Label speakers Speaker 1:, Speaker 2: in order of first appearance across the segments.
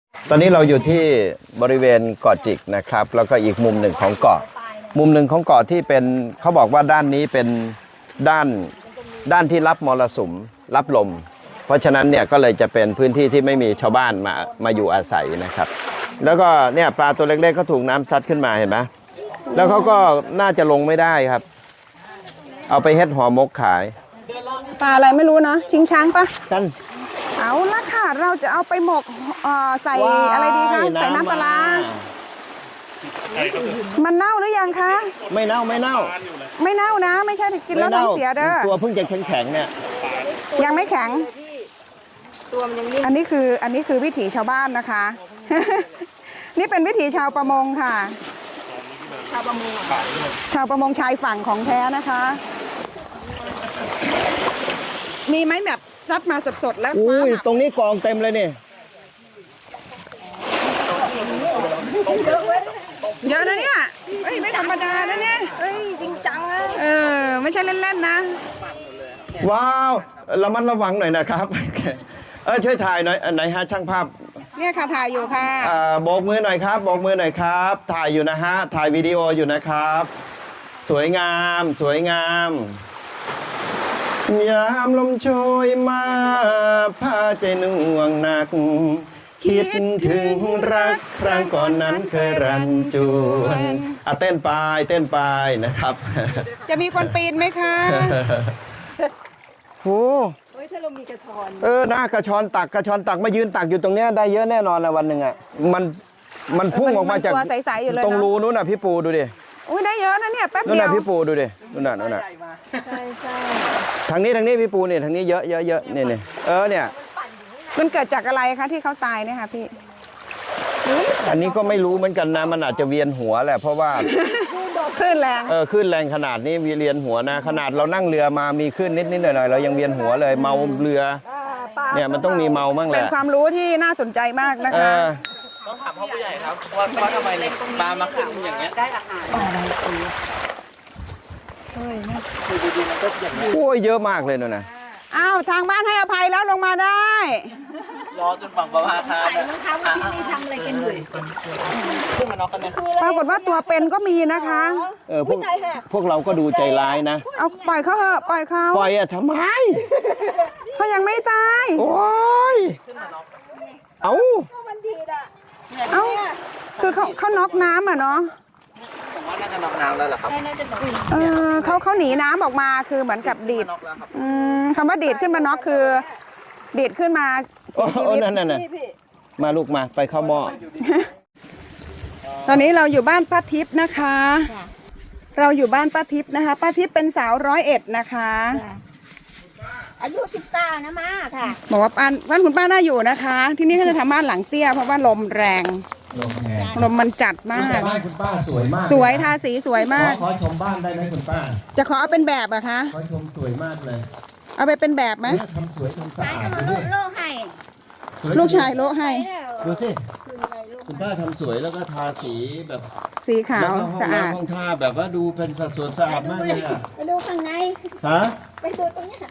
Speaker 1: ตอนนี้เราอยู่ที่บริเวณเกาะจิกนะครับแล้วก็อีกมุมหนึ่งของเกาะมุมหนึ่งของเกาะที่เป็นเขาบอกว่าด้านนี้เป็นด้านที่รับมรสุมรับลมเพราะฉะนั้นเนี่ยก็เลยจะเป็นพื้นที่ที่ไม่มีชาวบ้านมาอยู่อาศัยนะครับแล้วก็เนี่ยปลาตัวเล็กๆก็ถูกน้ำซัดขึ้นมาเห็นไหมแล้วเขาก็น่าจะลงไม่ได้ครับเอาไปเฮ็ดห่อหมกขาย
Speaker 2: ปลาอะไรไม่รู้นะชิงช้างปะ
Speaker 1: กัน
Speaker 2: เอาละค่ะเราจะเอาไปหมกใส่อะไรดีคะใส่น้ำปลามันเน่าหรือยังคะ
Speaker 1: ไม่เน่า
Speaker 2: ไม่เน่านะไม่ใช่กินแล้วท้องเสียเด้อ
Speaker 1: ตัวเพิ่งจะแข็งๆเนี่ย
Speaker 2: ยังไม่แข็งอันนี้คือวิถีชาวบ้านนะคะ นี่เป็นวิถีชาวประมงค่ะชาวประมงชายฝั่งของแท้นะคะมีไหมแบบซัดมาสดๆแล้ว
Speaker 1: อุ้ยตรงนี้กองเต็มเลยนี่
Speaker 2: เยอะนะเนี่ยเอ้ยไม่ธรรมดานะเนี่ยเอ้ยจริงจังนะไม่ใช่เล่นๆนะ
Speaker 1: ว้าวระมัดระวังหน่อยนะครับช่วยถ่ายหน่อยไหนฮะช่างภาพ
Speaker 2: เนี่ยค่ะถ่ายอยู่ค่ะ
Speaker 1: โบกมือหน่อยครับโบกมือหน่อยครับถ่ายอยู่นะฮะถ่ายวิดีโออยู่นะครับสวยงามสวยงามยามลมโชยมาพาใจน่วงหนักคิดถึงรักครั้งก่อนนั้นเคยรันจวนเต้นไปนะครับ
Speaker 2: จะมีคนปีนไหมคะ
Speaker 1: โอ้ถ้าเรามีกระชอนหน้ากระชอนตักมายืนตักอยู่ตรงเนี้ยได้เยอะแน่นอนนะวันหนึ่งอ่ะมันพุ่งออกมาจากตรงรูนู้นน่ะพี่ปูดูดิ
Speaker 2: อุ้ยได้เยอะนะเนี่ยแป๊บเดียว
Speaker 1: นู่นน่ะพี่ปูดูดินู่นน่ะใช่ทางนี้พี่ปูเนี่ยทางนี้เยอะเนี่ยเนี่ย
Speaker 2: มันเกิดจากอะไรคะที่เขาตายเนี่ยค่ะพี่
Speaker 1: อันนี้ก็ไม่รู้เหมือนกันนะมันอาจจะเวียนหัวแหละเพราะว่า
Speaker 2: คลื่นแรง
Speaker 1: คลื่นแรงขนาดนี้เวียนหัวนะขนาดเรานั่งเรือมามีคลื่นนิดหน่อยเรายังเวียนหัวเลยเมาเรือเนี่ยมันต้องมีเมาบ้างแหละ
Speaker 2: เป็นความรู้ที่น่าสนใจมากนะคะ
Speaker 3: ต้องถามพ่อผู้ใหญ่ครับว่าทำไมเนี่ยปลามาขึ้นอย่างเงี้ยได้อาหาร
Speaker 1: โอ้ยเยอะมากเลยนะ
Speaker 2: อ้าวทางบ้านให้อภัยแล้วลงมาได้
Speaker 3: รอจนฝั่งประภาคาร
Speaker 4: นะคะว่าที่นี่ทำอะไรกันอยู่
Speaker 3: ขึ้นมานอกกันเนี่ย
Speaker 2: ปรากฏว่าตัวเป็นก็มีนะคะ
Speaker 1: พวกเราก็ดูใจร้ายนะ
Speaker 2: เอาปล่อยเขาเถอะปล่อยเขา
Speaker 1: ปล่อยทำไม
Speaker 2: เขายังไม่ตาย
Speaker 1: โอ้ยเอา
Speaker 2: คือเขาน็อกน้ำอ่ะเนาะ
Speaker 3: ผมว่าน่าจะน็อกน้ำแล้วแหละครับ
Speaker 2: เขาหนีน้ำออกมาคือเหมือนกับดีดคำว่าดีดขึ้นมาน็อกคือดีดขึ้นมาเสียชีวิต
Speaker 1: นั่นมาลูกมาไปเข้าหม้อ
Speaker 2: ตอนนี้เราอยู่บ้านป้าทิพย์นะคะเราอยู่บ้านป้าทิพย์นะคะป้าทิพย์เป็นสาว101นะคะ
Speaker 4: อายุ19นะมาค่ะ
Speaker 2: บอกว่าบ้านคุณป้าน่าอยู่นะคะที่นี่เขาจะทำบ้านหลังเตี้ยเพราะว่าลมแรงลมมันจัดมาก
Speaker 5: บ้านคุณป้าสวยมาก
Speaker 2: สวยทาสีสวยมาก
Speaker 5: ขอชมบ้านได้ไหมคุณป้า
Speaker 2: จะขอเอาเป็นแบบอะคะ
Speaker 5: ขอชมสวยมากเลย
Speaker 2: เอาไปเป็นแบบไหม
Speaker 5: ทำสวยทำสะอาด
Speaker 4: โลให้
Speaker 2: ลูกชายโลให้
Speaker 5: ดูสิคุณป้าทำสวยแล้วก็ทาสีแบบ
Speaker 2: สีขาวสะอาด
Speaker 5: ห้องท่าแบบว่าดูเป็นสัดส่วนสะอาดมากเลย
Speaker 4: ไปดูข้างใน
Speaker 5: ฮะ
Speaker 4: ไปดูตรงนี้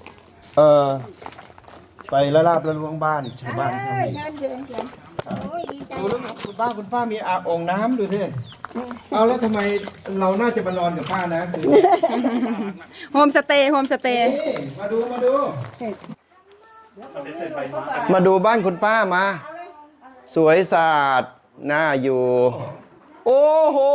Speaker 1: ไปละลาบละลวงบ้านชาวบ้าน
Speaker 4: ดู
Speaker 1: แล้วคุณป้ามีอาบองน้ำดูสิเอาแล้วทำไมเราน่าจะมานอนกับป้านะคือ
Speaker 2: โฮมสเตย์
Speaker 1: มาดูบ้านคุณป้ามาสวยสะอาดน่าอยู่โอ้โห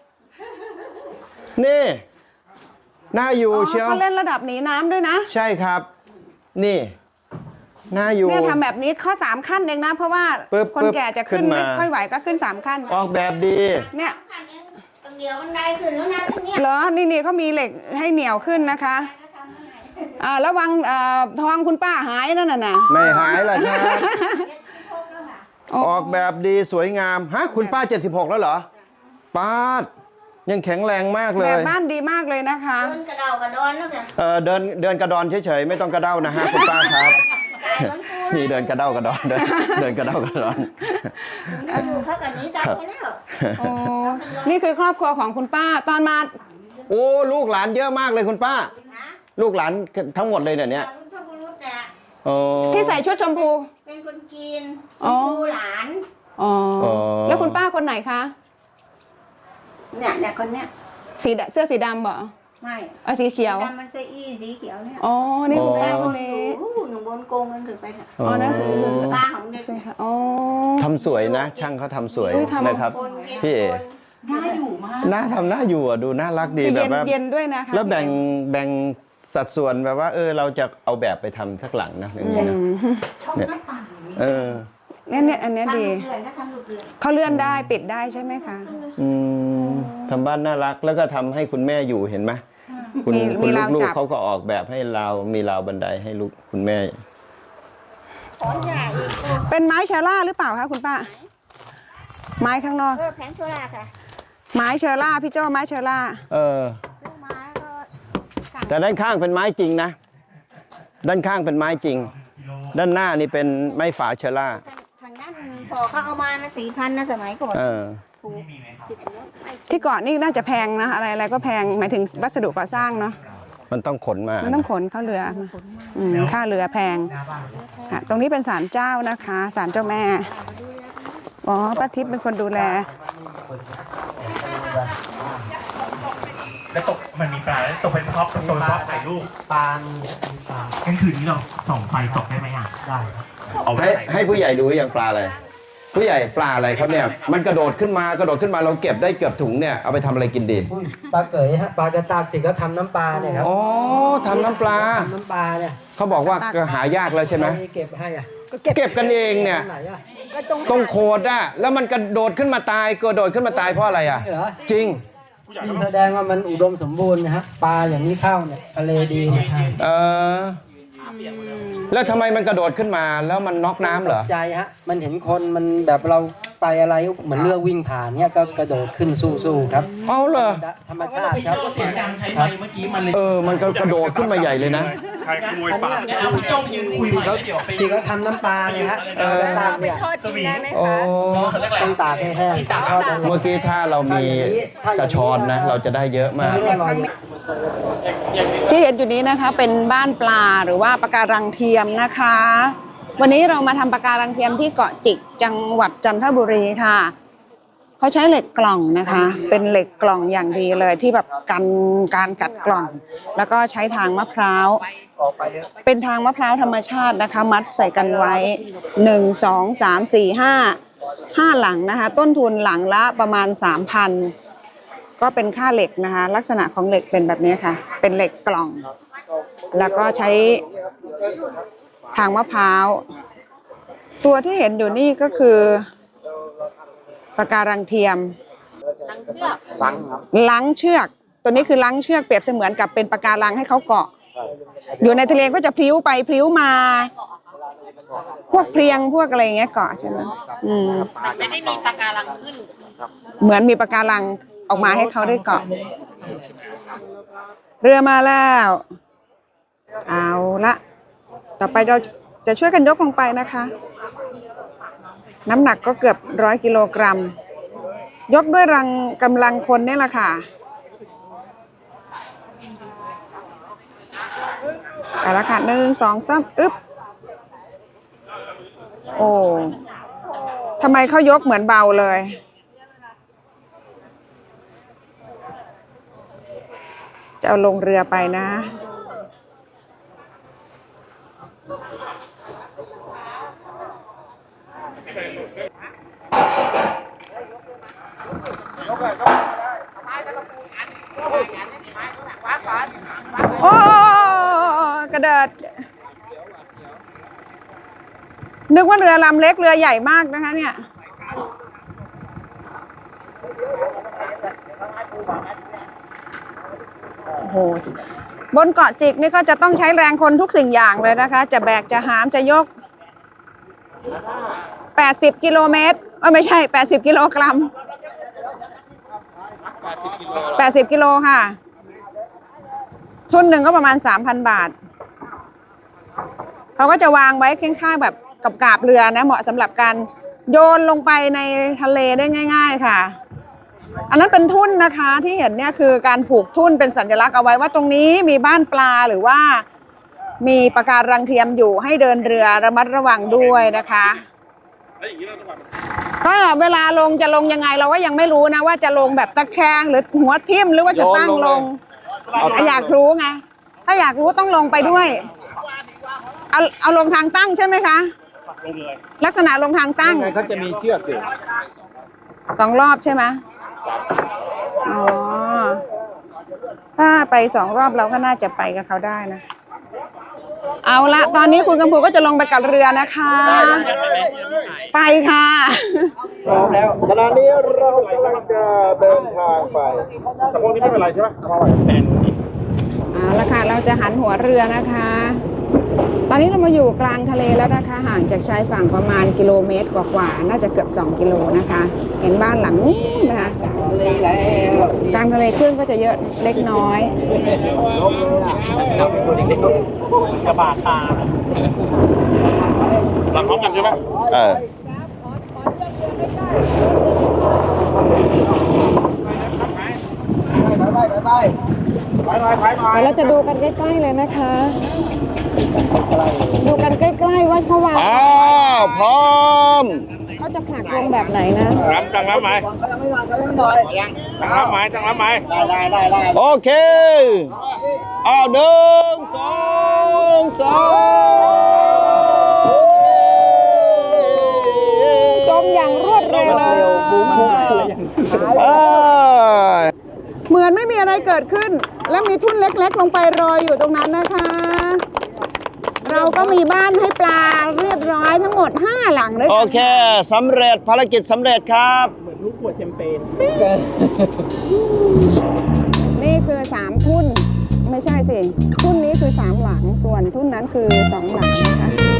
Speaker 1: นี่น่าอยู่เชียว
Speaker 2: เขาเล่นระดับหนีน้ำด้วยนะ
Speaker 1: ใช่ครับนี่น่าอยู่
Speaker 2: เนี่ยทำแบบนี้ข้อ3ขั้นเองนะเพราะว่าคนแก่จะขึ้นไม่ค่อยไหวก็ขึ้น3ขั้น
Speaker 1: ออกแบบดี
Speaker 2: เนี่ย
Speaker 4: เดี๋ยวมันได้ขึ้นแล้วนะ
Speaker 2: เหรอนี่เขามีเหล็กให้เหนียวขึ้นนะคะระวังทองคุณป้าหายนั่นน่ะ
Speaker 1: ไม่หายหรอกครับออกแบบดีสวยงามฮะคุณป้า76แล้วเหรอป้ายังแข็งแรงมากเลย
Speaker 2: แบบบ้านดีมากเลยนะคะ
Speaker 4: เดินกระเดากระดอนแล้วค่ะ
Speaker 1: เดินกระดอนเฉยๆไม่ต้องกระเด้านะฮะคุณป้าครับนี่เดินกระเด้ากระดอนเดินกระเด้ากระดอน
Speaker 4: อยู่เขากันนี้ได้แล้ว
Speaker 2: นี่คือครอบครัวของคุณป้าตอนมา
Speaker 1: โอ้ลูกหลานเยอะมากเลยคุณป้าลูกหลานทั้งหมดเลยเนี่ย
Speaker 2: ที่ใส่ชุดชมพู
Speaker 4: เป็นคนกินชมพูหลาน
Speaker 2: คุณป้าคนไหนคะ
Speaker 4: เนี่ยคนเนี้ย
Speaker 2: เสื้อสีดำเหรอ
Speaker 4: ไม่
Speaker 2: สีเขียว
Speaker 4: ดำมันเสื้ออี้สีเขียวเนี่ย
Speaker 2: อ๋อ นี่คุณป้า
Speaker 4: ค
Speaker 2: คน
Speaker 4: น
Speaker 2: นี้
Speaker 4: หนึ่งบนโกงมันถือไปเนี่ย
Speaker 2: อ๋อนั่นคือ
Speaker 4: ป้าของเด็ก
Speaker 2: ใช่ค่ะอ๋อ
Speaker 1: ทำสวยนะ ช่างเขาทำสวย
Speaker 2: อุ้ยทำ
Speaker 1: นะครับ
Speaker 4: คนเก็บ
Speaker 1: พี่เอ
Speaker 4: คนน่าอยู่มาก
Speaker 1: หน้าทำหน้าอยู่อะดูน่ารักดี
Speaker 2: คือ
Speaker 1: แบบว่า
Speaker 2: เย็นด้วยนะคะ
Speaker 1: แล้วแบ่งสัดส่วนแบบว่าเราจะเอาแบบไปทำสักหลังนะอย่างนี้นะ
Speaker 4: ชอบหน้าต่าง
Speaker 1: เออ
Speaker 2: เนี่ยอันเนี้ย
Speaker 4: ทำ
Speaker 2: ดี
Speaker 4: ลูกเรือนก็ทำลูกเรือน
Speaker 2: เขาเลื่อนได้ปิดได้ใช่ไหมคะ
Speaker 1: ทำบ้านน่ารักแล้วก็ทำให้คุณแม่อยู่เห็นไหมคุณ
Speaker 2: มี
Speaker 1: คุณ
Speaker 2: ราว
Speaker 1: ลู
Speaker 2: จั
Speaker 1: ก
Speaker 2: บ
Speaker 1: ๆเขาก็ออกแบบให้มีราวบันไดให้ลูกคุณแม่
Speaker 4: ขอนใหญ่อีก
Speaker 2: เป็นไม้เชอร่าหรือเปล่าคะคุณป้า ไม้ข้างนอก
Speaker 4: แผงโซล่าค่ะ
Speaker 2: ไม้เชอร่าพี่โจ้ไม้เชอร่า
Speaker 1: เออ
Speaker 4: ลูกไม้ก็
Speaker 1: แต่ด้านข้างเป็นไม้จริงนะ ด้านข้างเป็นไม้จริง ด้านหน้านี่เป็นไม้ฝาเชอร่า
Speaker 4: ทางนั้นพอเขาเอามานะ4,000นะสมัยก่อน
Speaker 1: เออ
Speaker 4: ถูก10
Speaker 2: ที่เกาะนี่น่าจะแพงนะอะไรก็แพงหมายถึงวัสดุก่อสร้างเนาะ
Speaker 1: มันต้องขนมา
Speaker 2: มันต้องขนเข้าเรือค่าเรือแพงอ่ะตรงนี้เป็นศาลเจ้านะคะศาลเจ้าแม่อ๋อป้าทิพย์เป็นคนดูแล
Speaker 6: แล้วตกมันมีปลาแล้วตกเป็นท็อปตัวท็อปถ่ายรูป
Speaker 5: ปลา
Speaker 6: งั้นคืนนี้เราส่องไฟตกได้ไหมอ่ะ
Speaker 5: ได้
Speaker 6: เอาไว้
Speaker 1: ให้ผู้ใหญ่ดูอย่างปลาอะไร ผู้ใหญ่ปลาอะไรครับเนี่ย มันกระโดดขึ้นมาเราเก็บได้เกือบถุงเนี่ยเอาไปทำอะไรกินดี
Speaker 5: ปลาเก๋ยฮะปลากระตากติก็ทำน้ำปลาเนี่ยครับ
Speaker 1: อ๋อทำน้ำปลา
Speaker 5: ทำน้ำปลาเนี่ย
Speaker 1: เขาบอกว่าก็หายากแล้วใช่ไหม
Speaker 5: ใครเก็บให้อ่ะ
Speaker 1: เก็บกันเองเนี่ย
Speaker 5: ไหนอ่ะ
Speaker 1: ตรงโคดอะแล้วมันกระโดดขึ้นมาตายเพราะอะไรอะ
Speaker 5: เหรอ
Speaker 1: จริง
Speaker 5: นี่แสดงว่ามันอุดมสมบูรณ์นะฮะปลาอย่างนี้เข้าเนี่ยทะเลดีเนี่ย
Speaker 1: แล้วทำไมมันกระโดดขึ้นมาแล้วมันน็อกน้ำเหรอ
Speaker 5: ใจฮะมันเห็นคนมันแบบเราไปอะไรเหมือนเรือวิ่งผ่านเนี่ยก็กระโดดขึ้นสู้ๆครับ
Speaker 1: เอาเหรอ
Speaker 5: ธรรมชาติครับ
Speaker 6: เสียงการใช้ไฟเมื่อกี้มันเลย
Speaker 1: มันก็กระโดดขึ้นมาใหญ่เลยนะ
Speaker 6: ใครขโมยปลาเอาพี่โจ้ยืนคุยไว้เดี๋ยวไป
Speaker 5: ที่เขาทำน้ำปลาเนี่ยฮะตากเนี่ย
Speaker 6: สวี
Speaker 1: โอ้
Speaker 5: ต้องตากให้แห้งทอดแล้ว
Speaker 1: เมื่อกี้ถ้าเรามีกระชอนนะ เราจะได้เยอะมาก
Speaker 5: อร่อย
Speaker 2: ที่เห็นอยู่นี้นะคะเป็นบ้านปลาหรือว่าปะการังเทียมนะคะ วันนี้เรามาทำปะการังเทียมที่เกาะจิกจังหวัดจันทบุรีค่ะเขาใช้เหล็กกล่องนะคะ เป็นเหล็กกล่องอย่างดีเลยที่แบบกันการกัดกล่อง แล้วก็ใช้ทางมะพร้าวเป็นทางมะพร้าวธรรมชาตินะคะ มัดใส่กันไว้1 2 3 4 5หลังนะคะ ต้นทุนหลังละประมาณ 3,000 ก็เป็นค่าเหล็กนะคะ ลักษณะของเหล็กเป็นแบบนี้ค่ะ เป็นเหล็กกล่อง แล้วก็ใช้ทางมะพร้าวตัวที่เห็นอยู่นี่ก็คือปะการังเทียมลังเชือกตัวนี้คือลังเชือกเปรียบเสมือนกับเป็นปะการังให้เขาเกาะ อยู่ในทะเลก็จะพลิ้วไปพลิ้วมา พวกเพลียงพวกอะไรอย่างเงี้ยเกาะใช่ไหมไม่ได้มีปะการังขึ้นเหมือนมีปะการังออกมาให้เขาได้เกาะ เรือมาแล้วเอาละต่อไปเราจะช่วยกันยกลงไปนะคะ น้ำหนักก็เกือบ100 กิโลกรัมยกด้วยกำลังคนนี่แหละค่ะเอาละค่ะ1 2 3อึ๊บโอ้ทำไมเขายกเหมือนเบาเลยจะเอาลงเรือไปนะ โอ้กระเดิดนึกว่าเรือลำเล็กเรือใหญ่มากนะคะเนี่ยโอ้โหบนเกาะจิกนี่ก็จะต้องใช้แรงคนทุกสิ่งอย่างเลยนะคะจะแบกจะหามจะยก80 กิโลเมตรไม่ใช่80 กิโลกรัม80 กิโลค่ะทุนหนึ่งก็ประมาณ 3,000 บาทเขาก็จะวางไว้ข้างๆแบบกับกาบเรือนะเหมาะสำหรับการโยนลงไปในทะเลได้ง่ายๆค่ะอันนั้นเป็นทุ่นนะคะที่เห็นเนี่ยคือการผูกทุ่นเป็นสัญลักษณ์เอาไว้ว่าตรงนี้มีบ้านปลาหรือว่ามีปะการังเทียมอยู่ให้เดินเรือระมัดระวังด้วยนะคะก็เวลาลงจะลงยังไงเราก็ยังไม่รู้นะว่าจะลงแบบตะแคงหรือหัวทิ่มหรือว่าจะตั้งลงอยากรู้ไงถ้าอยากรู้ต้องลงไปด้วยเอาลงทางตั้งใช่ไหมคะลักษณะลงทางตั้งเขาจะมีเชือกอยู่2 รอบใช่ไหมอ๋อถ้าไป2 รอบเราก็น่าจะไปกับเขาได้นะเอาละตอนนี้คุณกำพูก็จะลงไปกับเรือนะคะไปค่ะ
Speaker 1: พร้อมแล้วขณะนี้เรากำลังจะเดินทางไปแต่พวกนี้ไม่เป็นไรใช่ไหมเอาละค่ะเราจะหันหัวเรือนะคะ ตอนนี้เรามาอยู่กลางทะเลแล้วนะคะห่างจากชายฝั่งประมาณกิโลเมตรกว่าๆน่าจะเกือบ2 กิโลนะคะ เห็นบ้านหลังนี้นะคะกลางทะเลคลื่นก็จะเยอะเล็กน้อย
Speaker 6: กระบาดตาหลังพร้อมกันใช่ไหม
Speaker 2: เราจะดูกันใกล้ๆเลยนะคะ ดูกันใกล้ๆว่าเขาวาง
Speaker 1: พร้อม
Speaker 2: เขาจะผลักลงแบบไหนนะ
Speaker 3: จังรับไหมได้
Speaker 1: โอเค1 2 3
Speaker 2: จมอย่างรวดเร็วเหมือนไม่มีอะไรเกิดขึ้นแล้วมีทุ่นเล็กๆลงไปรออยู่ตรงนั้นนะคะเราก็มีบ้านให้ปลาเรียบร้อยทั้งหมด5 หลังเลย
Speaker 1: โอเคสำเร็จภารกิจสำเร็จครับ
Speaker 6: เหมือนลูกขวดแชมเปญ
Speaker 2: นี่คือ3 ทุ่นไม่ใช่สิทุ่นนี้คือ3 หลังส่วนทุ่นนั้นคือ2 หลังนะคะ